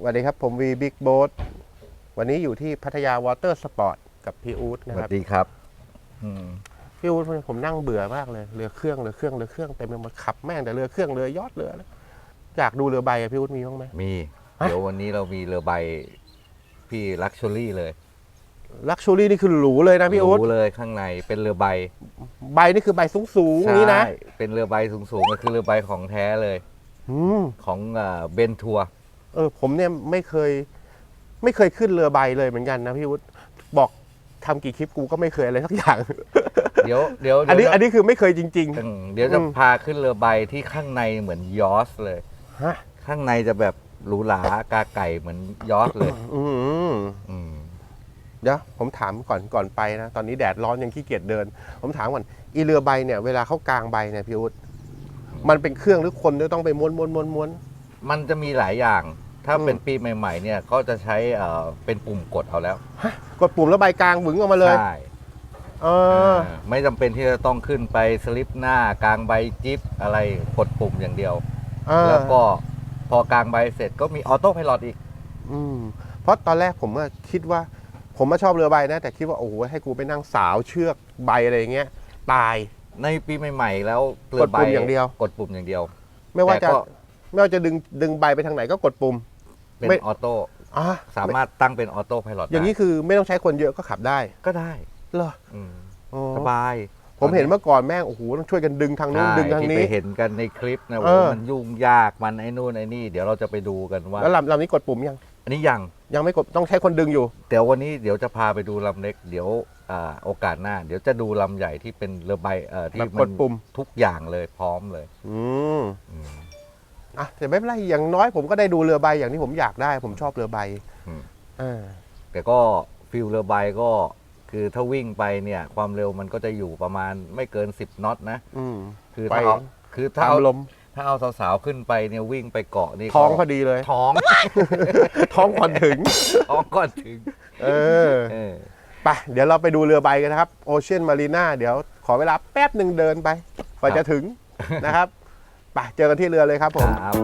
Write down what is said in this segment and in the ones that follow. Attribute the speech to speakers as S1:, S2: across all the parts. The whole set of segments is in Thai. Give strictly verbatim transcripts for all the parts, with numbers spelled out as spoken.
S1: สวัสดีครับผมวีบิ๊กโบ๊ทวันนี้อยู่ที่พัทยาวอเตอร์สปอร์ตกับพี่อู๊ดนะ
S2: ส
S1: ค
S2: วั
S1: รับ
S2: สดีครับอืม
S1: พี่อู๊ดผมนั่งเบื่อมากเลยเรือเครื่องเรือเครื่องเรือเครื่องเต็มไปหมดขับแม่งแต่เรือเครื่องเรือยอดเรือแล้วอยากดูเรือใบอะพี่อู๊ดมีบ้างไหม
S2: มี
S1: ฮะ
S2: เดี๋ยววันนี้เรามีเรือใบพี่ลักชัวรี่เลย
S1: ลักชูรี่นี่คือหรูเลยนะพี่อู๊ด
S2: รู้เลยข้างในเป็นเรือใบ
S1: ใบนี่คือใบสูงสูงๆนี้นะ
S2: ใช่เป็นเรือใบสูงๆก็คือเรือใบของแท้เลย
S1: อืม
S2: ของเบนทัวร์
S1: เออผมเนี่ยไม่เคย ไม่เคยขึ้นเรือใบเลยเหมือนกันนะพี่อู๊ดบอกทำกี่คลิปกูก็ไม่เคยอะไรสักอย่าง
S2: เดี๋ยวเดี๋ยว
S1: อันนี้
S2: เดี๋ยว
S1: อันนี้คือไม่เคยจริง
S2: อืมเดี๋ยวจะ
S1: อืม
S2: พาขึ้นเรือใบที่ข้างในเหมือนยอสเลย
S1: ๆฮะ
S2: ข้างในจะแบบหรูหรากาไก่เหมือนยอสเลย
S1: อืม
S2: อืม
S1: เดี๋ยวผมถามก่อนก่อนไปนะตอนนี้แดดร้อนยังขี้เกียจเดิน ผมถามก่อนอีเรือใบเนี่ยเวลาเขากางใบเนี่ยพี่อุ๊ดมันเป็นเครื่องหรือคนที่ต้องไปม้วนม้วนม้วนม้วน
S2: มันจะมีหลายอย่าง ถ้า
S1: อืม
S2: เป็นปีใหม่ๆเนี่ยก็จะใช้เอ่อเป็นปุ่มกดเอาแล้ว
S1: กดปุ่มแล้วใบกลางหวึงออกมาเลย
S2: ใช่
S1: เออ
S2: าไม่จำเป็นที่จะต้องขึ้นไปสลิปหน้ากลางใบจิ๊บอะไรกดปุ่มอย่างเดียว
S1: เออ
S2: แล้วก็พอกลางใบเสร็จก็มีออโต้ไพลอตอีก
S1: อืมเพราะตอนแรกผมก็คิดว่า ผมมาชอบเรือใบนะ แต่คิดว่าโอ้โหให้กูไปนั่งสาวเชือกใบอะไรอย่างเงี้ยตาย
S2: ในปีใหม่ๆ แล้วเรื
S1: กดปุ่มอย่างเดียว
S2: กดปุ่มอย่างเดียว
S1: ไม่ว่า
S2: แต่
S1: จะ
S2: ก็
S1: ไม่ว่าจะดึงดึงใบไปทางไหนก็กดปุ่ม
S2: เป็น
S1: ไม่
S2: ออโต้
S1: อ่ะ
S2: สามารถตั้งเป็นออโต้ไพลอต
S1: อย่างนี้คือไม่ต้องใช้คนเยอะก็ขับได้
S2: ก็ได้
S1: เหรอ
S2: อืม
S1: อ๋อ
S2: สบาย
S1: ผมเห็นเมื่อก่อนแม่งโอ้โหต้องช่วยกันดึงทางนู้น
S2: ใช่
S1: ดึงทาง
S2: ที่
S1: นี้
S2: ไปเห็นกันในคลิปนะ
S1: เอ
S2: ว่า
S1: อ
S2: มันยุ่งยากมันไอ้นู่นไอ้นี่เดี๋ยวเราจะไปดูกันว่า
S1: แล้วลำลำนี้กดปุ่มยัง
S2: อันนี้ยัง
S1: ยังไม่กดต้องใช้คนดึงอยู่
S2: เดี๋ยววันนี้เดี๋ยวจะพาไปดูลำเล็ก เดี๋ยวอ่าโอกาสหน้า เดี๋ยวจะดูลำใหญ่ที่เป็นเรือใบเอ่อที่
S1: แบบ
S2: มั
S1: กดปุ่ม
S2: ทุกอย่างเลยพร้อมเลย
S1: อืม
S2: อืม
S1: อ่ะแต่ไม่เป็นไรอย่างน้อยผมก็ได้ดูเรือใบอย่างที่ผมอยากได้ ผมชอบเรือใบ
S2: อืม
S1: อ่า
S2: แต่ก็ฟิลเรือใบก็คือถ้าวิ่งไปเนี่ยความเร็วมันก็จะอยู่ประมาณไม่เกินสิบน็อตนะ
S1: อืม
S2: คือ
S1: ไป
S2: ถ้าเอาคือถ้า
S1: ตาม
S2: เอา
S1: ลม
S2: ถ้าเอาสาวๆขึ้นไปเนี่ยวิ่งไปเกาะนี่ก็
S1: ท้องพอดีเลย
S2: ท้อง
S1: ท้องก่อนถึง
S2: ท้องก่อนถึง
S1: เออ
S2: เออ
S1: ไปเดี๋ยวเราไปดูเรือใบกันนะครับโอเชียนมารีนาเดี๋ยวขอเวลาแป๊บหนึ่งเดินไปกว่าจะถึงนะครับไปเจอกันที่เรือเลยครับผม
S2: ครับ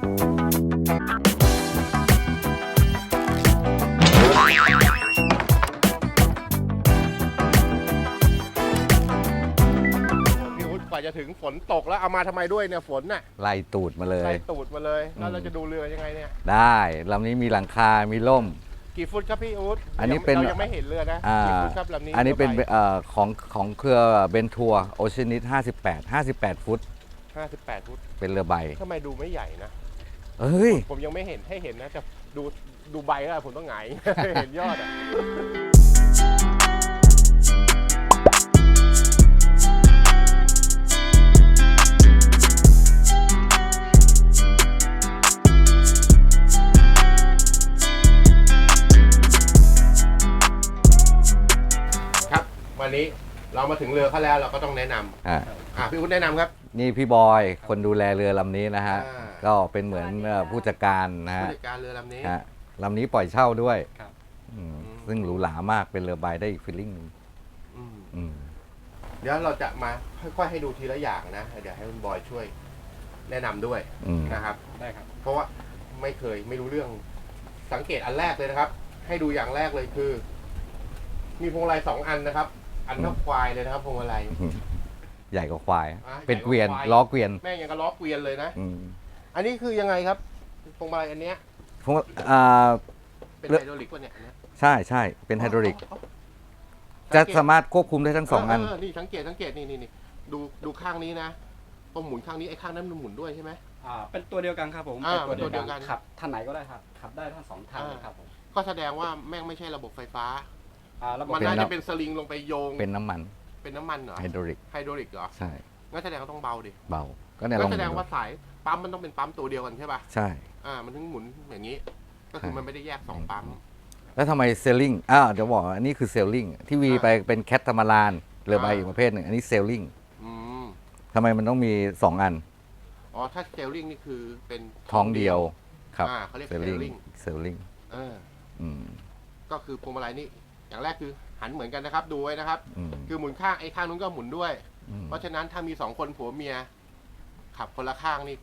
S1: พี่อุ๊ดกว่าจะถึงฝนตกแล้วเอามาทำไมด้วยเนี่ยฝนน่ะ
S2: ไล่ตูดมาเล
S1: ใส่
S2: ย
S1: ตูดมาเลยแล้วเราจะดูเรือยังไงเนี่ย
S2: ได้ลำนี้มีหลังคา มีร่ม
S1: กี่ฟุตครับพี่อุ๊ด
S2: อันนี้เป็น
S1: เรายังไม่เห็นเรือนะ
S2: อ่า
S1: กี่ฟุตครับลำนี้
S2: อันนี้เป็น
S1: รือใบ
S2: เอ่อของของเครือเบนทัวร์โอเชียนิสห้าสิบแปด ห้าสิบแปดฟุต
S1: ห้าสิบแปดฟุต
S2: เป็นเรือใบ
S1: ทำไมดูไม่ใหญ่นะ
S2: เอ้ย
S1: ผมยังไม่เห็นให้เห็นนะแต่ดูดูใบแล้วผมต้องหงาย เห็นยอดอ่ะครับวันนี้เรามาถึงเรือเขาแล้วเราก็ต้องแนะนำ
S2: อ่ะ
S1: อ่ะพี่อุ๊ดแนะนำครับ
S2: นี่พี่บอย คนดูแลเรือลำนี้นะฮะ
S1: อ่า
S2: ก็เป็นเหมือนเอ่อผู้จัดการนะ
S1: ผู้
S2: ฮะ
S1: จัดการเรือลำนี้
S2: ฮะลำนี้ปล่อยเช่าด้วย
S3: ครับ
S2: อืมซึ่งหรูหรามากเป็นเรือใบได้อีกฟีลลิ่งหนึง
S1: อืม
S2: อืม
S1: เดี๋ยวเราจะมาค่อยๆให้ดูทีละอย่างนะ เดี๋ยวให้คุณบอยช่วยแนะนำด้วย
S2: อืม
S1: นะครับ
S3: ได้ครับ
S1: เพราะว่าไม่เคยไม่รู้เรื่องสังเกตอันแรกเลยนะครับ ให้ดูอย่างแรกเลยคือ มีพวงมาลัยสองอันนะครับ อันเท่าควายเลยนะครับพวงมาลัย
S2: ใหญ่กว่าควาย
S1: อ่ะ
S2: เป็น
S1: ใหญ่กว่า
S2: เกวียน
S1: ควาย
S2: ล้อเกวียน
S1: แม่งยังกระล้อเกวียนเลยนะ
S2: อืม
S1: อันนี้คือยังไงครับพวงมาลัยอันเนี้ย
S2: พวกอ่า
S1: เป็น
S2: เรือ
S1: ไฮดรอลิกวะเนี่ยอันเนี้ย
S2: ใช่ใช่เป็นไฮดรอลิก
S1: อ๋อ
S2: จะ
S1: สังเกต
S2: สามารถควบคุมได้ทั้งสองอัน
S1: เนี่สังเกตสังเกตนี่นี่นี่ดูดูข้างนี้นะตรงหมุนข้างนี้ไอ้ข้างนั้นมันหมุนด้วยใช่ไหม
S3: อ่า เป็นตัวเดียวกันครับผม
S1: อ่า
S3: เป็นตัวเดียว
S1: เป็นตัวเดียวกั
S3: กัน นขับท่านไหนก็ได้ครับ ขับได้ทั้งสองทาง
S1: อ่า
S3: เลยครับผม
S1: ก็แสดงว่าแม่งไม่ใช่ระบบไฟฟ้า
S3: อ่าระบบ
S1: มัน
S2: เป็น
S1: น่า
S2: น้ำ
S1: จะเป็นสลิงลงไปโยง
S2: เป็นน้ำมัน
S1: เป็นน้ำมันเหรอ
S2: ไฮดรอลิก
S1: ไฮดรอลิกเหรอ
S2: ใช่
S1: งั้นแสดงว่าต้องเบาดิ
S2: เบา ก็เนี่ยล
S1: ก็
S2: อง
S1: แสดง
S2: ดู
S1: ว่าสายปั๊มมันต้องเป็นปั๊มตัวเดียวกันใช่ป่ะ
S2: ใช่
S1: อ่า มันถึงหมุนอย่างนี้ ก็คือ
S2: ใช่
S1: มันไม่ได้แยกสองปั๊ม
S2: แล้วทำไมเซลลิงอ้าวเดี๋ยวบอกว่าอันนี้คือเซลลิงที่วี
S1: อ่า
S2: ไปเป็นแคทธรรมลานเรือใบ
S1: อ่า
S2: อีกประเภทหนึ่งอันนี้เซลลิง
S1: อืม
S2: ทำไมมันต้องมีสองอัน
S1: อ๋อ ถ้าเซลลิงนี่คือเป็น
S2: ท้องเดียวครับ
S1: อ่าเขาเรียก
S2: เซลลิง
S1: sailing
S2: เซลลิง
S1: เออ
S2: อืม
S1: ก็คือพวงมาลัยนี่ อย่างแรกคือหันเหมือนกันนะครับ ดูไว้นะครับ
S2: อืม
S1: คือหมุนข้างไอ้ข้างนู้นก็หมุนด้วย
S2: อืม
S1: เพราะฉะนั้นถ้ามีสองคนผัวเมีย ขับคนละข้างนี่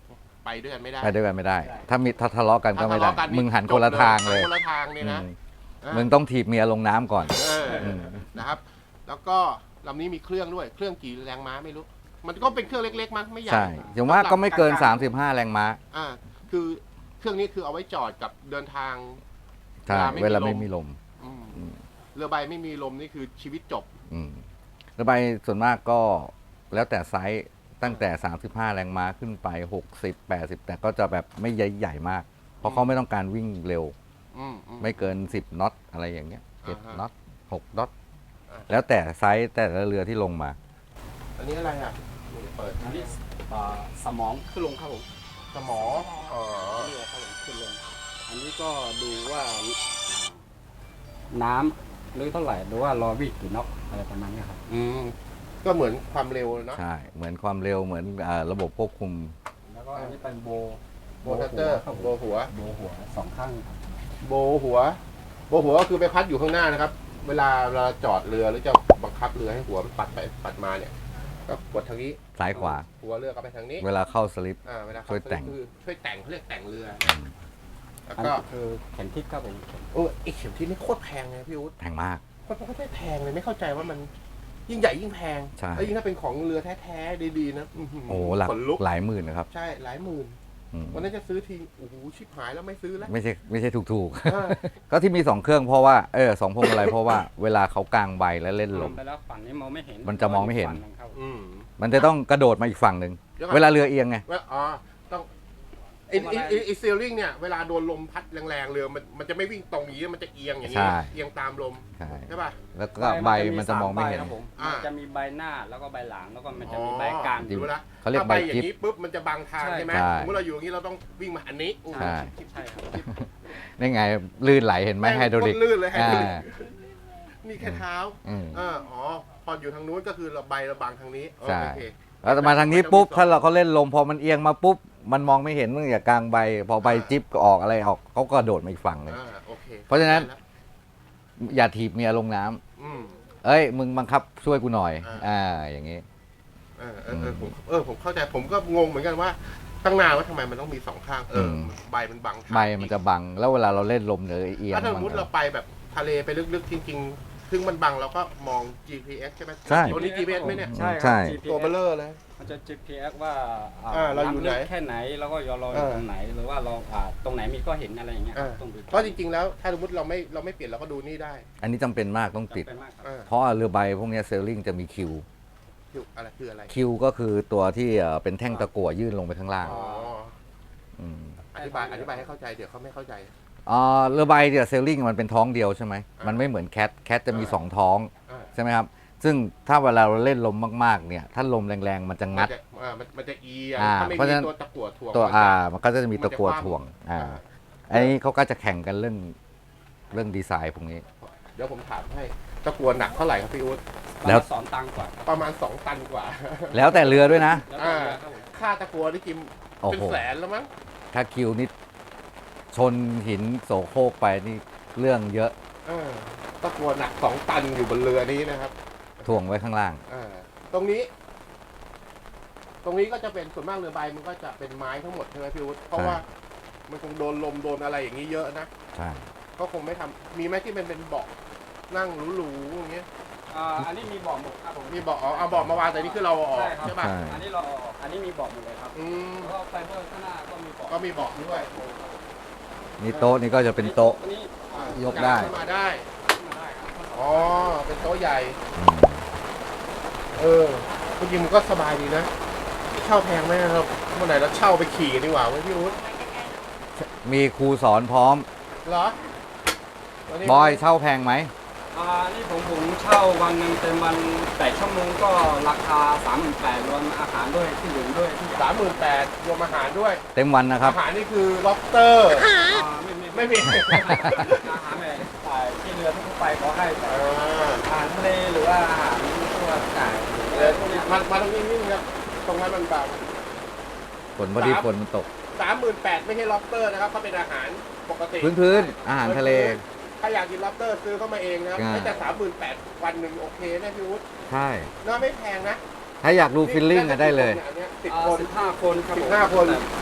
S1: ไปด้วยกันไม่ได้
S2: ไปด้วยกันไม่ได้ ถ้ามีถ้าทะเลาะกันก็
S1: ถ้า
S2: ไม่
S1: ทะ
S2: ได้
S1: เลาะกัน
S2: มึงหันคนละทางเลย
S1: หันคนละทางเนี่ยนะ
S2: อืม
S1: อ่ะ
S2: มึงต้องถีบเมียลงน้ำก่อน
S1: เอออ
S2: ม
S1: นะครับ แล้วก็ลำนี้มีเครื่องด้วยเครื่องกี่แรงม้าไม่รู้ มันก็เป็นเครื่องเล็กๆมั้งไม่ใหญ่
S2: ใช่อย่างว่าก็ไม่เกิน
S1: ลงๆ
S2: สามสิบห้า แรงม้า
S1: อ่าคือเครื่องนี้คือเอาไว้จอดกับเดินทาง
S2: ใช่
S1: เว
S2: เว
S1: ลา
S2: ลา
S1: ไม่
S2: ไม่
S1: มี
S2: มี
S1: ล
S2: ล
S1: ม
S2: ม
S1: อืม
S2: อืม
S1: เรือใบไม่มีลมนี่คือชีวิตจบ
S2: อืมระบายส่วนมากก็แล้วแต่ไซส์ตั้งแต่ สามสิบห้า แรงม้าขึ้นไป หกสิบ แปดสิบ แต่ก็จะแบบไม่ใหญ่ใหญ่มาก เพราะเขาไม่ต้องการวิ่งเร็ว
S1: อืมอืม
S2: ไม่เกิน สิบน็อตอะไรอย่างเงี้ยเจ็ด
S1: อ่าฮะ
S2: น็อตหกน็อต
S1: อ่า
S2: แล้วแต่ไซส์แต่ละเรือที่ลงมา
S1: อันนี้อะไรอ่ะนี่เปิด
S3: อันนี้อ่าสมองขึ้นลงครับผม
S1: สมออ๋อ
S3: เรือครับผมขึ้นลง อันนี้ก็ดูว่าอ่าน้ำหรือเท่าไหร่หรือว่ารอวิ่งกี่น็อกอะไรประมาณนี้ครับ
S1: อืมก็เหมือนความเร็วเนาะ
S2: ใช่ เหมือนความเร็วเหมือนอ่าระบบควบคุม
S3: แล้วก็อันนี้เป็นโบ
S1: โบทัตเตอร์
S3: ครับผม
S1: โบหัว
S3: โบหัวสองข้างครับ
S1: โบหัว โบหัวก็คือไปพัดอยู่ข้างหน้านะครับ เวลาเราจอดเรือหรือจะบังคับเรือให้หัวมันปัดไปปัดมาเนี่ย ก็กดทางนี้
S2: ซ้ายขวา
S1: หัวเรือก็ไปทางนี้
S2: เวลาเข้าสลิป
S1: อ่าเวลา
S2: ช่วยแต่ง
S1: คือช่วยแต่งเขาเรียกแต่งเรือ แล้ว
S3: อัน
S1: ก็
S3: นี้คือเข็มทิศครับผม
S1: โอ้ไอเข็มที่นี่โคตรแพงเลยพี่อุ๊ด
S2: แพงมาก
S1: โคตรไม่แพงเลยไม่เข้าใจว่ามันยิ่งใหญ่ยิ่งแพง
S2: ใช่
S1: แล้วยิ่งถ้าเป็นของเรือแท้ๆดีๆนะอื้อหื
S2: โอ้หลัก
S1: ขนลุก
S2: หลายหมื่นนะครับ
S1: ใช่หลายหมื่น
S2: อืม
S1: วันนั้นจะซื้อทีโอ้โหชิบหายแล้วไม่ซื้อแล้ว
S2: ไม่ใช่ไม่ใช่ถูก
S1: อ่า
S2: ๆ ก็ที่มีสองเครื่องเพราะว่าเออสองพวงมาลัยเพราะว่าเวลาเขากางใบแล้วเล่นลม
S3: ไปแล้วฝั่งนี้มองไม่เห็น
S2: มันจะมองไม่เห็น
S3: ฝั่งงครับ
S1: อืม
S2: มันจะต้องกระโดดมาอีกฝั่งหนึ่ง
S1: เดี๋ยวก่อน
S2: เวลาเรือเอียงไง
S1: ว่าอ๋อต้องไอ้ไอ้ไอ้ไอ้เซลลิงเนี่ยเวลาโดนลมพัดแรงๆเรือมันมันจะไม่วิ่งตรงอย่างนี้มันจะเอียงอย่างนี้
S2: ใช่
S1: เอียงตามลม
S2: ใช่
S1: ใช่ป่ะ
S2: แล้วก็ใบมันจะมองไม่เห็น
S3: ใบครับผม
S1: อ่ามั
S3: มันจะมีใบหน้าแล้วก็ใบหลังแล้วก็มันจะ
S1: อ๋อ
S3: มีใบกลาง
S2: จริง
S1: ดูนะ
S2: เขาเรียก
S1: ถ้
S2: ใบ
S1: อ
S2: จิ๊
S1: ย่า
S2: บ
S1: งนี้ปุ๊บมันจะบังทาง
S3: ใช่
S1: ใช่ไหม
S2: ใช่
S1: สมมติเราอยู่อย่างนี้เราต้องวิ่งมาอันนี้
S2: ใช่
S3: ใช่ครับ
S2: นี่ไงลื่นไหลเห็นไหมไฮดรอลิก
S1: แม่งโคตลื่นเลยไฮดรอลิก
S2: อ่า
S1: นี่แค่เท้า
S2: อืม
S1: เอออ๋อพออยู่ทางนู้นก็คือเราใบเราบังทางนี้เออ
S2: ใช่
S1: โอเค
S2: แล้วมาทางนี้ปุ๊บถ้าเราเขาเล่นลมพอมันเอียงมาปุ๊บมันมองไม่เห็นมึงอย่ากลางใบ พอใบจิ๊บก็ออกอะไรออกเขาก็โดดมาอีกฝั่งหนึ่ง
S1: อ่าโอเค
S2: เพราะฉะนั้น
S1: ได้แล้ว
S2: อย่าถีบเมียลงน้ำ
S1: อืม
S2: เอ้ยมึงบังคับช่วยกูหน่อย
S1: อ่า
S2: อ่าอย่างงี้
S1: เออเออเออผมเออผมเข้าใจผมก็งงเหมือนกันว่าตั้งนานว่าทำไมมันต้องมีสองข้างเอออ
S2: ม
S1: ใบมันบังทาง
S2: ใบมันจะบังแล้วเวลาเราเล่นลมหรือเอียง
S1: ถ้าสมมติ
S2: น
S1: เราไปแบบทะเลไปลึกๆจริงๆซึ่งมันบังเราก็มอง จี พี เอส ใช่ไหม
S2: ใช่
S1: ตัวนี้ จี พี เอส ไหมเนี่ย
S3: ใช่ค
S2: ใช่
S3: รับ จี พี
S1: ตัวเบล
S3: เอส
S1: เลอร์เลย
S3: มันจะ จี พี เอส ว่าอ่า
S1: อ่าเราอยู่ไหน
S3: ำลึกแค่ไหนแล้วก็ยอรออยู่
S1: เออ
S3: ตรงไหนหรือว่าเราอ่าตรงไหนมีก็เห็นอะไรอย่างเงี้ยครับ
S1: อ่า
S3: ต้องดู
S1: เพราะจริงๆแล้วถ้าสมมติเราไม่เราไม่เปลี่ยนเราก็ดูนี่ได้
S2: อันนี้จำเป็นมากต้องติด
S3: จำเป็นมากครับ
S1: อ่า
S2: เพราะเรือใบพวกเนี้เซลลิงจะมีคิว
S1: คืออะไรคืออะไร
S2: คิวก็คือตัวที่เอ่อเป็นแท่งตะกั่วยื่นลงไปข้างล่าง
S1: อ๋อ
S2: ม
S1: อธิบายอธิบายให้เข้าใจเดี๋ยวเขาไม่เข้าใจ
S2: อ่าเรือใบเนี่ยเซลลิงมันเป็นท้องเดียวใช่ไหม
S1: อ่ามั
S2: มันไม่เหมือนแคทแคทจะมี
S1: อ่า
S2: สองท้อง
S1: อ่า
S2: ใช่ไหมครับ ซึ่งถ้าเวลาเราเล่นลมมากๆเนี่ย ถ้าลมแรงๆ มันจะงัด
S1: มันจะอ่ามันมันจะเอียง
S2: อ่า
S1: ถ้าไม่
S2: เพราะ
S1: มี
S2: ฉะนั้น
S1: ตัวตะกั่วถ่วง
S2: ตัว
S1: มันจะ
S2: อ่ามันก็จะมี
S1: มันจะ
S2: ตะกั่ว
S1: คว่ำ
S2: ถ่วงอ่า
S1: อ่า
S2: อันนี้เขาก็จะแข่งกันเรื่องเรื่องดีไซน์พวกนี้
S1: เดี๋ยวผมถามให้ตะกั่วหนักเท่าไหร่ครับพี่อุ๊ด
S2: แล้ว
S3: สอนตังค์กว่าครับ
S1: ประมาณสองตันกว่า
S2: แล้วแต่เรือด้วยนะ
S3: แล้วก็เรือครับผม
S1: ค่าตะกั่วนี่กิม
S2: โอ้
S1: เป็น
S2: โห
S1: แสนแล้วมั้ง
S2: ถ้าคิวนี่ชนหินโสโครกไปนี่เรื่องเยอะ
S1: เออตะกั่วหนักสองตันอยู่บนเรือนี้นะครับ
S2: ถ่วงไว้ข้างล่าง
S1: อ่าตรงนี้ ตรงนี้ก็จะเป็นส่วนมากเรือใบมันก็จะเป็นไม้ทั้งหมดใช่ไหมพี่อุ๊ดเพราะ
S2: ใช่
S1: ว่ามันคงโดนลมโดนอะไรอย่างนี้เยอะนะ
S2: ใช่
S1: ก็คงไม่ทำมีไหมที่มันเป็นเบาะนั่งหรูๆอย่างเงี้ย
S3: อ่าอันนี้มีเบาะหมดครับผม
S1: มีเบาะอ๋อเอาเบาะมาวางแต่นี่คือเราเอาออก
S3: ใช่ครับ
S1: ใช่ป่ะ
S2: ใช่
S3: อันนี้เราเอาออกอันนี้มีเบาะหมดเลยครับ
S1: อืม
S3: แล้วก็ไฟเบอร์ข้างหน้าก็มีเบาะ
S1: ก็มีเบาะด้วย
S2: นี่โต๊ะนี่ก็จะเป็นโต๊ะ
S3: อันนี้
S1: อ่าย
S2: กได้
S1: ขึ้นมาได้
S3: ขึ้นมาได้ครับ
S1: อ๋อเป็นโต๊ะใหญ่
S2: อืม
S1: เออจริงๆมันก็สบายดีนะเช่าแพงไหมครับเมื่อไหร่เราเช่าไปขี่กันดีกว่าเว้ยพี่อุ๊ด
S2: มีครูสอนพร้อม
S1: เหรอวันนี้
S2: บอยเช่าแพงไหม
S3: อ่านี่ผมผมเช่าวันหนึ่งเต็มวันแปดชั่วโมงก็ราคาสามหมื่นแปดรวมอาหารด้วยที่ดื่มด้วยที่
S1: สามหมื่นแปดรวมอาหารด้วย
S2: เต็มวันนะครับ
S1: อาหารนี่คือ lobster
S3: อ่าไม่ไม่
S1: ไม่มี
S3: อาหารแบบอ่าที่เรือทั่วไปเขาให้แต่
S1: อ่า
S3: อาหารทะเลหรือว่าอาหารทั่วไก่อะไรพวกเนี้ย
S1: มามาตรงนี้นิดนึงครับ ตรงนั้นมันบาง
S2: ฝนพอดีฝนมันตก
S1: สามหมื่นแปดไม่ใช่ lobster นะครับเขาเป็นอาหารปกติ
S2: พื้นพื้นๆอาหารทะเล
S1: ถ้าอยากกิน lobster ซื้อเข้ามาเองนะครับ
S2: อ่า
S1: ไม่แต่สามหมื่นแปดวันหนึ่งโอเคนะพี่วุฒิ
S2: ใช่
S1: น่าไม่แพงนะ
S2: ถ้าอยากดูฟิลลิ่งอะได้เลย
S1: สิบ
S3: อ่า
S1: คน
S3: สิบห้าคนครับผม
S1: สิบห้าคน
S3: แต่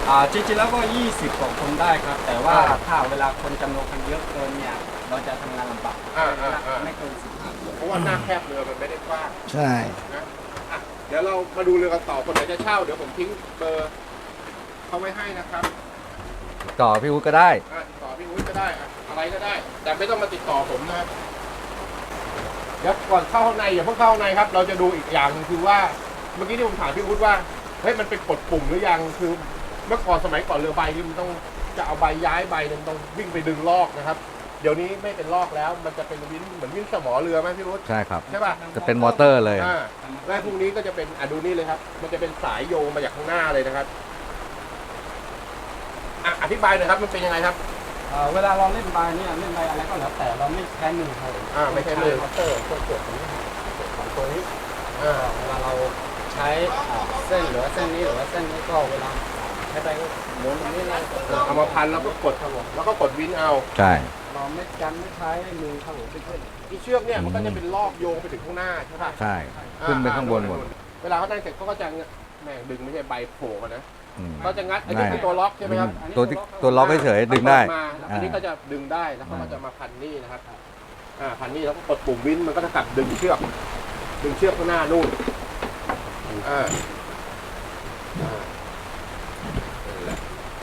S3: อ่าจริงๆแล้วก็ยี่สิบกว่าคนได้ครับ แต่ว่า
S1: อ่า
S3: ถ้าเวลาคนจำนวนคนเยอะเกินเนี่ยเราจะทำงานลำบาก
S1: อ่าอ่าอ่า
S3: ไม่เกินสิบห้าคน
S1: เพราะว่าหน้าแคบเรือมันไม่ได้กว้าง
S2: ใช่
S1: นะอ่ะเดี๋ยวเรามาดูเรือกันต่อคนไหนจะเช่าเดี๋ยวผมทิ้งเบอร์เขาไว้ให้นะครับ
S2: ต่อพี่วุฒิก็ได้
S1: อ่ะติดต่อพี่อุ้ยก็ได้อ่ะอะไรก็ได้ แต่ไม่ต้องมาติดต่อผมนะเดี๋ยวก่อนเข้าข้างในอย่าเพิ่งเข้าข้างในครับ เราจะดูอีกอย่างหนึงคือว่าเมื่อกี้ที่ผมถามพี่อุ้ยว่าเฮ้ยมันเป็นกดปุ่มหรือยังคือเมื่อก่อนสมัยก่อนเรือใบนี่มันต้องจะเอาใบย้ายใบหนึงต้องวิ่งไปดึงลอกนะครับ เดี๋ยวนี้ไม่เป็นลอกแล้ว มันจะเป็นวินเหมือนวินสมอเรือไหมพี่อุ้ย
S2: ใช่ครับ
S1: ใช่ป่ะ
S2: จะเป็นมอเตอร์เลย
S1: อ่าและพวกนี้ก็จะเป็นอ่ะดูนี่เลยครับ มันจะเป็นสายโยงมาจากข้างหน้าเลยนะครับอ่ะอธิบายหน่อยครับมันเป็นยังไงครับ
S3: เอ่อเวลาเราเล่นใบเนี่ยเล่นใบอะไรก็แล้วแต่เราไม่ใช้มือครับ
S1: อ่าไม่ใช้มือ
S3: มอเตอร์ตัวกดตรงนี้กดของตัวนี้
S1: อ่า
S3: เวลาเราใช้อ่าเส้นหรือว่าเส้นนี้หรือว่าเส้นนี้ก็เวลาใช้ไปก็หมุนตรงนี้เลย
S1: เอามาพันแล้วก็กดครับผมแล้วก็กดวินเอา
S2: ใช่
S3: เราไม่กันไม่ใช้มือครับผมเป็นเพื่อน
S1: อีเชือกเนี่ยมันก็จะเป็นลอกโยงไปถึงข้างหน้าใช่ป่ะ
S2: ใช่ ขึ้นไปข้างบนหมด
S1: เวลาเขาได้เสร็จเขาก็จะแหม่ดึงไม่ใช่ใบโผล่มานะ
S2: อืม
S1: เขาจะงัดอันนี้คือตัวล็อกใช่ไหมครับ
S2: ตัวที่ตัวล็อกเฉยๆดึงได้
S1: มาอันนี้ก็จะดึงได้แล้วเขาก็จะมาพันนี่นะครับอ่าพันนี่แล้วก็กดปุ่มวินมันก็จะกลับดึงเชือก ดึงเชือกข้างหน้านู่นอ่าอ่านั่นแหละ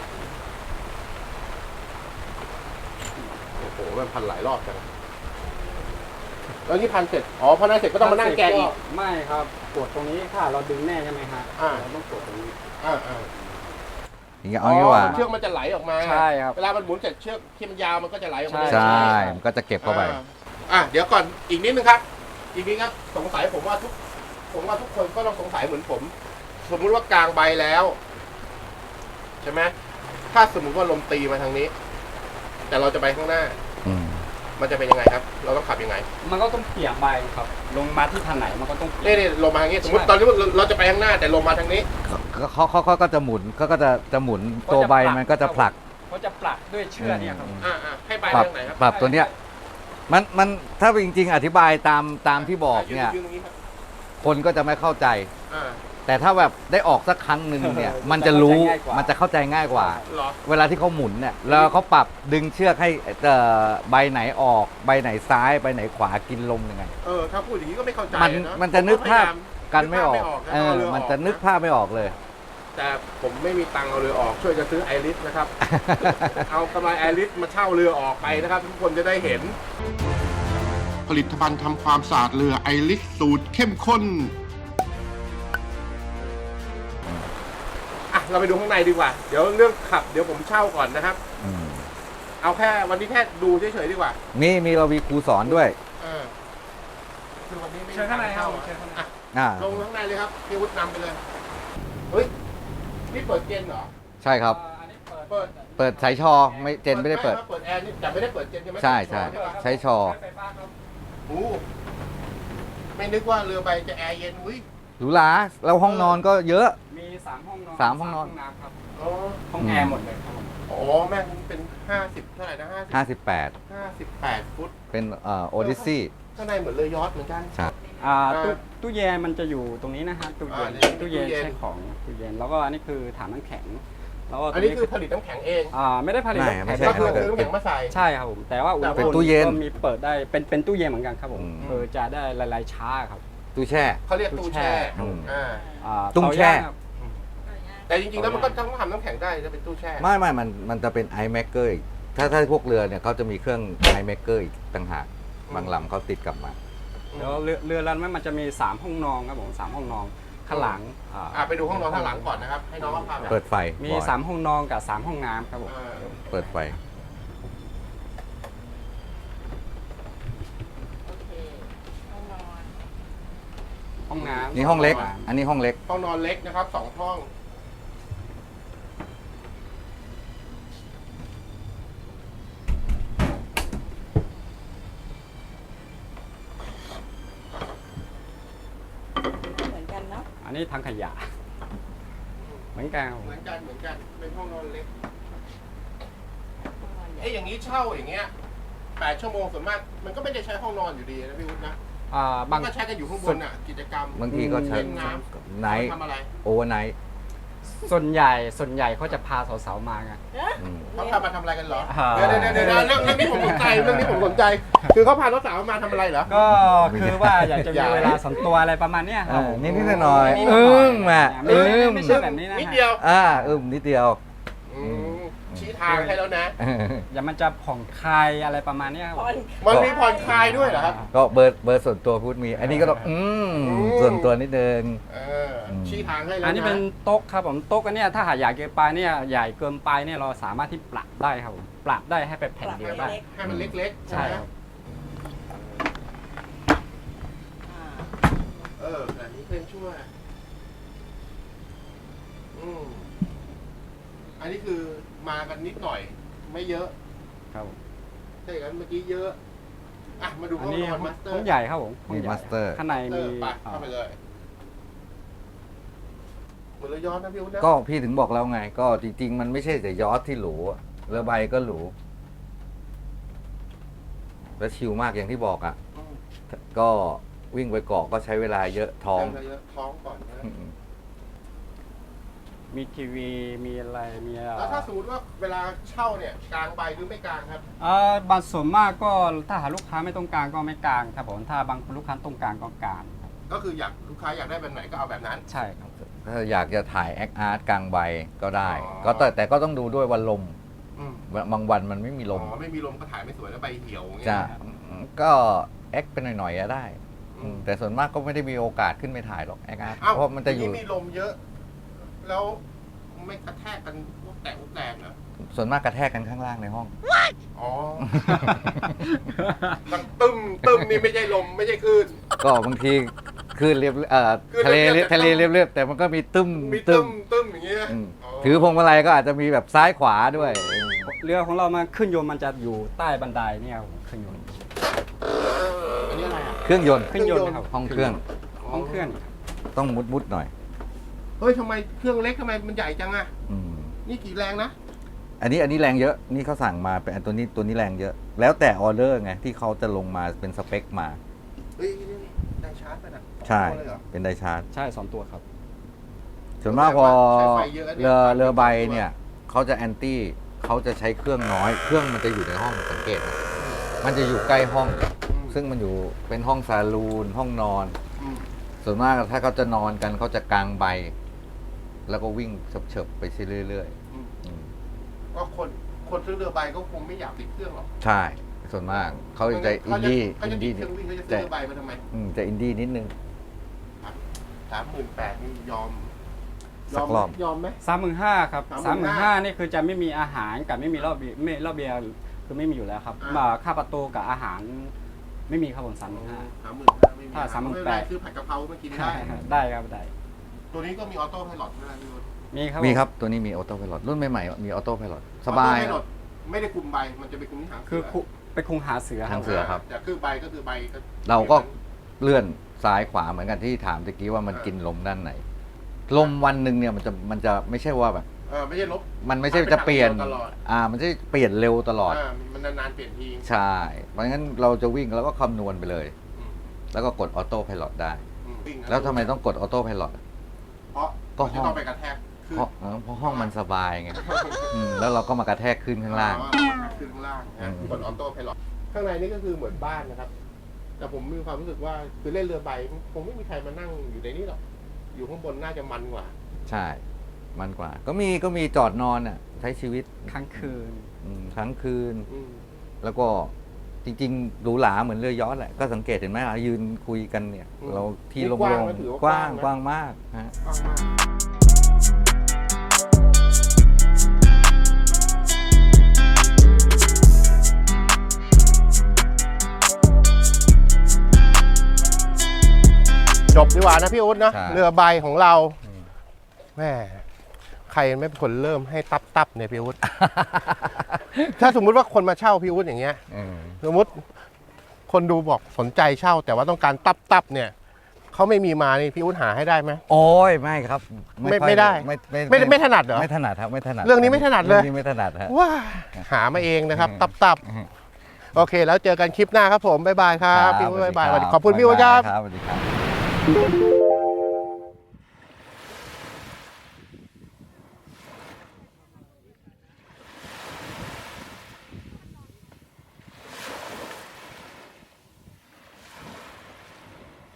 S1: โอ้โหมันพันหลายรอบจังแล้วนี่พันเสร็จอ๋อพอนั้นเสร็จก็ต้องมานั่งแกะอีก
S3: ไม่ครับกดตรงนี้ถ้าเราดึงแน่ใช่ไหมฮะ
S1: อ่า
S3: เราต้องกดตรงนี้
S1: อ่าอ่า
S2: อย่างเงี้ยเอางี้ว่า
S1: เชือกมันจะไหลออกมา
S3: ใช่ครับ
S1: เวลามันหมุนเสร็จเชือกที่มันยาวมันก็จะไหลออกมา
S2: ใช่ มันก็จะเก็บเข้าไป
S1: อ่อ่ะเดี๋ยวก่อนอีกนิดนึงครับ อีกนิดครับสงสัยผมว่าทุก ผมว่าทุกคนก็ต้องสงสัยเหมือนผม สมมุติว่ากลางใบแล้ว ใช่ไหมถ้าสมมุติว่าลมตีมาทางนี้ แต่เราจะไปข้างหน้า
S2: อืม
S1: มันจะเป็นยังไงครับ เราต้องขับยังไง
S3: มันก็ต้องเปี่ยมใบครับ ลงมาที่ทางไหนมันก็ต้องเปี่
S1: นี่
S3: ยม
S1: นี่ลมมาทางนี้ สมมติ
S3: ใช่
S1: ตอนนี้เราเราจะไปข้างหน้า แต่ลมมาทางนี้
S2: เขาเขาเขาก็จะหมุนเขาก็จะจะหมุนตัวใบมันก็จะผลัก
S3: เขาจะปลักด้วยเชือกเนี่ยครับ
S1: อ่าอ่าให้ใบ
S2: ปรับ
S1: ทางไหนครับ
S2: ปรับตัวเนี้ย มันมันถ้าจริง ๆ อธิบายตามตามที่บอกเนี่ย
S1: ยืนตรงนี้ครับ
S2: คนก็จะไม่เข้าใจ
S1: อ่า
S2: แต่ถ้าแบบได้ออกสักครั้งหนึ่งเนี่ย มันจะรู้มันจะเข้าใจง่ายกว่า
S1: เหรอ
S2: เวลาที่เขาหมุนเนี่ยแล้วเขาปรับดึงเชือกให้เอ่อใบไหนออก ใบไหนซ้ายใบไหนขวากินลมยังไง
S1: เออ ถ้าพูดอย่างนี้ก็ไม่เข้าใจ
S2: มัน
S1: นะ
S2: มันจะนึกภาพ
S1: ผพยย
S2: กันไม่ออก
S1: นึภาพ
S2: เออ
S1: เรือ
S2: มันจะนึกภาพไม่ออกเลย
S1: แต่ผมไม่มีตังค์เอาเรือออก ช่วยจะซื้อไอริสนะครับ เอากำไรไอริสมาเช่าเรือออกไปนะครับ ทุกคนจะได้เห็น ผลิตภัณฑ์ทำความสะอาดเรือไอริสสูตรเข้มข้น อ่ะ เราไปดูข้างในดีกว่า เดี๋ยวเรื่องขับ เดี๋ยวผมเช่าก่อนนะครับ
S2: อืม
S1: เอาแค่วันนี้แค่ดูเฉยๆดีกว่า
S2: มีมีเรามีครูสอนด้วย
S1: เออคือวันนี้ไม่มี
S3: เชิญข้างในครับ
S1: ตัค์
S3: เชิญข้างใน
S1: อ่ะ
S2: อ่า
S1: ลงข้างในเลยครับพี่วุฒินำไปเลย เฮ้ย นี่เปิดเจนเหรอ
S2: ใช่ครับ
S3: อันนี้เปิด
S1: เปิด
S2: เปิดสายชอไม่เจนไม่ได้เปิด
S1: เปิดแอร์นี่แต่ไม่ได้เปิดเจนใช่ไหม
S2: ใช่ใช่
S1: ปะ
S2: ใช้ชอ
S3: ไฟฟ้าครับ
S1: โอ้ไม่นึกว่าเรือใบจะแอร์เย็นอุ้ย
S2: หรูหราแล้วห้องนอนก็เยอะ
S3: มีสามห้องนอน
S2: สามห้องนอน
S3: น้ำครับ
S1: อ๋อ
S3: ห้องแอร์หมดเลยครับผม
S1: อ๋อแม่งเป็นห้าสิบเท่าไหร่นะห้าสิบ
S2: ห้าสิบแปด
S1: ห้าสิบแปดฟุต
S2: เป็นเอ่อโอดิซี่
S1: ข้างในเหมือนเรือยอชต์เหมือนกัน
S2: ใช่
S3: อ่า
S1: อ่า
S3: ตู้ตู้เย็นมันจะอยู่ตรงนี้นะฮะตู้เย็น
S1: อ่านี่
S3: ตู้เย็น
S1: ตู้เย็น
S3: ใช้ของตู้เย็นแล้วก็อันนี้คือถังน้ำแข็งแล้วก็ต
S1: อั
S3: ร
S1: น
S3: ง
S1: นี้
S3: นี้
S1: คือผลิตน้ำแข็งเอง
S3: อ่าไม่ได้ผลิต
S2: ไม่
S3: น้ำ
S2: ไม่
S3: แข็ง
S2: ใช่
S1: ก็คือซื้อน้ำแข็งมาใส่
S3: ใช่ครับผมแต่ว่าอุณห
S2: เป็
S3: ภู
S2: น
S3: มิ
S2: ตู้เย็น
S3: ก็มีเปิดได้เป็นเป็นตู้เย็นเหมือนกันครับผม
S2: อืม
S3: เออจะได้ละลายช้าครับ
S2: ตู้แช่
S1: เขาเรียกตู้แช่
S2: อืม
S1: อ่า
S3: อ่า
S2: ตุ้งแช่
S3: เตาย่างครับ
S1: แต่จริงๆแล้วมันก็ต้องทำน้ำแข็งได้จะเป็นตู้แช่
S2: ไม่ไม่มันมันจะเป็นไอแมกเกอร์อีกถ้าถ้าพวกเรือเนี่ยเขาจะมีเครื่องไอแมกเกอร์อีกต่างหาก บางลำเขาติดกลับมา
S3: แล้วเรือเรือลำนั้นมันจะมีสามห้องนอนครับผมสามห้องนอนข้างหลังอ่า
S1: อ่าไปดูห้องนอนข้างหลังก่อนนะครับ ให้น้องเขาพาไป
S2: เปิดไฟ
S3: มี
S2: บ่อย
S3: สามห้องนอนกับสามห้องน้ำครับผม
S1: อ่า
S2: เปิดไฟ
S4: โอเคห้องนอน
S3: ห้องน้ำ
S2: นี่ห้องเล็ก อันนี้ห้องเล็ก
S1: ห้องนอนเล็กนะครับสองห้อง
S4: เหมือนกันเนาะ
S3: อันนี้ทางขยะเหมือนกันครับผม
S1: เหมือนกันเหมือนกันเป็นห้องนอนเล็ก
S4: ห้องนอนใหญ่
S1: เอ้ยอย่างนี้เช่าอย่างเงี้ยแปดชั่วโมงส่วนมากมันก็ไม่ได้ใช้ห้องนอนอยู่ดีนะพี่วุฒินะ
S3: อ่า
S1: มั
S3: บาน ง
S1: ก็ใช้กันอยู่ข้างบนอ่ะกิจกรรม
S2: บางทีก็ใช้
S1: เล่นน้
S2: ไนท์
S1: ทำอะไร
S2: โอเวอร์ไนท์
S3: ส่วนใหญ่ส่วนใหญ่เขาจะพาสาวๆมาไง
S4: เอ๊ะ
S2: อืม
S1: เขาพามาทำอะไรกันเหรอ
S3: อ่า
S1: เดี๋ยวเดี๋ยวเดี๋ยวเดี๋ยวเรื่องเรื่องนี้ผมสนใจเรื่องนี้ผมสนใจ คือเขาพาสาวๆมาทำอะไรเหรอ
S3: ก็คือว่าอยากจะ
S1: อยาก
S3: มีเวลาส่วนตัวอะไรประมาณเนี้ยครับ
S2: อ่านิดๆหน่อยๆ
S3: นิดๆหน่อยๆ
S2: อึ้งอ่ะ
S3: ไม่ไม่
S2: อึ้ง
S3: ไม่ใช่แบบนี้นะ
S1: นิดเดียว
S2: อ่าอึ้มนิดเดียว
S1: อืมชี้ทางให้แล้วนะ
S3: อย่ามันจะผ่องคลายอะไรประมาณเนี้ยครับ
S4: ผ่อน
S1: มันมีผ่อนคลายด้วยเหรอครับ
S2: ก็เบอร์เบอร์ส่วนตัวพูดมี อันนี้ก็ต้องอืม
S1: อืม
S2: ส่วนตัวนิดนึง
S1: เออชี้ทางให้แล้วนะ
S3: อันนี้เป็นโต๊ะครับผมโต๊ะอันเนี้ยถ้าหากใหญ่เกินไปเนี่ยใหญ่เกินไปเนี่ยเราสามารถที่ปรับได้ครับผมปรับได้ให้เป็นแผ่นเดียวได้
S1: ให้มันเล็กๆ
S3: ใช่ครับ
S4: อ่า
S1: เอออันนี้เป็นช่วยอืมอันนี้คือมากันนิดหน่อย ไม่เยอะ
S3: ครับผม
S1: ถ้าอย่างนั้นเมื่อกี้เยอะ อ่ะ มาดู
S3: อั
S1: ห้
S3: น
S1: อง
S3: นี้
S1: นอนมาสเตอร์
S3: ห้องใหญ่ครับผมห้อง
S2: มี
S3: ใหญ่
S2: มาสเตอร์
S3: ข้างใน
S1: เอ
S3: มี
S1: อไปเข้าไปเลยเหมือนเรือย้อนนะพี่อุ้นนะ
S2: ก็พี่ถึงบอกแล้วไง ก็จริง ๆ มันไม่ใช่แต่ยอทที่หรูอะเรือใบก็หรู แล้วชิลมากอย่างที่บอกอ่ะ
S1: อืม
S2: ก็วิ่งไปเกาะก็ใช้เวลาเยอะท้อง
S1: เเยอะท้องก่อนนะ
S2: อืม
S3: มีทีวีมีอะไรมีเอ่อ
S1: แล้วถ้าสมมติว่าเวลาเช่าเนี่ยกลางใบหรือไม่กลางครับ
S3: เอ่อบางส่วนมากก็ถ้าหาลูกค้าไม่ต้องการก็ไม่กลางครับผมถ้าบางลูกค้าต้องการก็กลางครับ
S1: ก็คืออยากลูกค้าอยากได้แบบไหนก็เอาแบบนั้น
S3: ใช่ครับ
S2: ถ้าอยากจะถ่ายแอคอาร์ตกลางใบก็ได้
S1: อ๋อ
S2: ก็แต่แต่ก็ต้องดูด้วยวันลม
S1: อืม
S2: บางวันมันไม่มีล
S1: อ๋
S2: ม
S1: อไม่มีลมก็ถ่ายไม่สวยแล้วใบเหี่ยวอย่างเงี้ย
S2: จะก็แอคเป็นหน่อยๆอะได้
S1: อืม
S2: แต่ส่วนมากก็ไม่ได้มีโอกาสขึ้นไปถ่ายหรอกแอคอาร์ต
S1: อ้าว
S2: เพราะมันจะอยู่
S1: ทีมีลมเยอะ แล้วไม่กระแทกกันพวกแตกพวกแตกเหรอ
S2: ส่วนมากกระแทกกันข้างล่างในห้อง
S1: อ๋อ ดังตึมตึมนี่ไม่ใช่ลมไม่ใช่คลื่น
S2: ก็บางทีคลื่นเรียบเอ่อ
S1: คลื่น
S2: ทะเล
S1: เรียบๆ
S2: ทะเลเรียบๆแต่มันก็มีตึ้ม
S1: มี
S2: ตึ้
S1: ตึ
S2: ม
S1: มตึมอย่างเงี้ย
S2: อืมถือพวงมาลัยก็อาจจะมีแบบซ้ายขวาด้วย
S3: เรือของเรามาขึ้นยนต์มันจะอยู่ใต้บันไดเนี่ยครับผมขึ้นยนต์
S1: อันนี้อะไรอ่ะ
S2: เครื่องยนต์
S3: ขึ้นยนต์นะครับ
S2: ห้องเครื่อง
S3: ห้องเครื่อง
S2: ต้องมุดมุดๆหน่อย
S1: เฮ้ยทำไมเครื่องเล็กทำไมมันใหญ่จังอ่ะ
S2: อืม
S1: นี่กี่แรงนะ
S2: อันนี้อันนี้แรงเยอะนี่เขาสั่งมาเป็นอันตัวนี้ตัวนี้แรงเยอะ แล้วแต่ออเดอร์ไงที่เขาจะลงมาเป็นสเปคมา
S1: เฮ้ยนี่ได้ชาร์จไปนะ
S2: ใช่
S1: เลยเหรอ
S2: เป็นไดชาร์จ
S3: ใช่สองตัวครับ
S2: ส่วนมากพอ
S1: ใช้ไฟเยอะเนี่ย
S2: เรือเรือใบเนี่ยเขาจะแอนตี้เขาจะใช้เครื่องน้อย เครื่องมันจะอยู่ในห้องสังเกตนะมันจะอยู่ใกล้ห้อง
S1: อืม
S2: ซึ่งมันอยู่เป็นห้องซาลูนห้องนอน
S1: อืม
S2: ส่วนมากถ้าเขาจะนอนกันเขาจะกางใบ แล้วก็วิ่งเฉิบๆไปเรื่อย
S1: อืม
S2: ๆอืม
S1: ก็คนคนซื้อเรือใบก็คงไม่อยากติดเครื่องหรอก
S2: ใช่ ส่วนมากเขาจะอินดี้
S1: เขา
S2: อิ
S1: จะ
S2: น
S1: ติ
S2: ดี้
S1: ดเครื่องวิ่งเขาจะซื้อเรือใบมาทำไม
S2: อืมจะอินดี้นิดนึง
S1: สามหมื่นแปดนี่ยอม
S2: สักรอบ
S1: ยอมไหม
S3: สามหมื่นห้าครับสามหมื่นห้า
S1: สามหมื่นห้า
S3: นี่คือจะไม่มีอาหารกับไม่มีรอบเบียร์ไม่รอบเบียร์คือไม่มีอยู่แล้วครับ
S1: อ่า
S3: มาค่าประตูกับอาหารไม่มีครับผมสามหมื่นห้า
S1: สามหมื่นห้าไม่มี
S3: ถ้าสามหมื่น
S1: ไเป็
S3: แป
S1: ไร
S3: ด
S1: ซื้อผัดกะเพรามากินได้
S3: ได้ครับได้
S1: ตัวนี้ก็มีออโต้ไพลอตด้วยนะพี่วุฒิ
S3: มีครับ
S2: มี
S3: ผม
S2: ครับตัวนี้มีออโต้ไพลอตรุ่นใหม่ๆมีออโต้ไพลอตสบาย
S1: ออโต้ไพลอตไม่ได้คุมใบมันจะไปคุมที่หางเสื
S3: คือคุไปคุงหาเสือค
S2: หา
S3: รับ
S2: งเสือครับ
S1: แต่คือใบก็คือใบก็
S2: เราก็เลื่อนซ้ายขวาเหมือนกันที่ถามตะกี้ว่ามันกินลมด้านไหน ลมวันหนึ่งเนี่ยมันจะมันจะไม่ใช่ว่าแบบ
S1: เออไม่ใช่ลบ
S2: มันไม่ใช่จะเปลี่ยน
S1: ตลอด
S2: อ่า มันจะเปลี่ยนเร็วตลอด
S1: ามันนานๆเปลี่ยนที
S2: ใช่ เพราะงั้นเราจะวิ่งแล้วก็คำนวณไปเลย
S1: อืม
S2: แล้วก็กดออโต้ไพลอตได้
S1: อืมวิ่งนะ
S2: แล้วทำไมต้องกดออโต้ไพลอต
S1: เพราะ
S2: ก็
S1: มัน
S2: ห้
S1: จะ
S2: อง
S1: ต้องไปกระแทกขึ้น
S2: เพราะเออเพราะห้องมันสบายไงอืมแล้วเราก็มากระแทกขึ้นข้างล่าง
S1: อ๋อขึ้นข้างล่าง
S2: อื
S1: นะ
S2: ม
S1: กดออโต้ไพลอตข้างในนี่ก็คือเหมือนบ้านนะครับ แต่ผมมีความรู้สึกว่าคือเล่นเรือใบคงไม่มีใครมานั่งอยู่ในนี้หรอกอยู่ข้างบนน่าจะมันกว่า
S2: ใช่ มันกว่า ก็มีก็มีจอดนอนอ่ะ ใช้ชีวิต
S3: ค้างคืน
S2: อืมทั้งคืน
S1: อืม
S2: แล้วก็จริงๆหรูหราเหมือนเรือยอชต์แหละ ก็สังเกตเห็นไหมเรายืนคุยกันเนี่ย เราที่โล่งๆกว้างกว้างมากฮะ
S1: กว้างมากจบดีกว่านะพี่อุ๊ดนะ
S2: ใช่
S1: เรือใบของเรา
S2: อืม
S1: แม่ใครไม่เป็นคนเริ่มให้ตับตับเนี่ยพี่อุ๊ด ถ้าสมมุติว่าคนมาเช่าพี่อุ๊ดอย่างเงี้ย
S2: อืม
S1: สมมติคนดูบอกสนใจเช่า แต่ว่าต้องการตับตับเนี่ยเขาไม่มีมานี่พี่อุ๊ดหาให้ได้ไหม
S2: โอ้ยไม่ครับ
S1: ไม่
S2: ค่อย
S1: ไม่ได้
S2: ไม่ไม่
S1: ไม่ไม่ถนัดเหรอ
S2: ไม่ถนัดครับไม่ถนัด
S1: เรื่องนี้ไม่ถนัดเลย
S2: เรื่องนี้ไม่ถนัดฮะ
S1: ว้าหามาเองนะครับ
S2: อืม
S1: ตับตับ
S2: อืม
S1: โอเค แล้วเจอกันคลิปหน้าครับผมบ๊ายบายครับพี่อุ๊ดบ๊ายบาย
S2: สวัสดี
S1: ขอบคุณพี่อุ๊ดครับ
S2: ครับสวัสดีครับ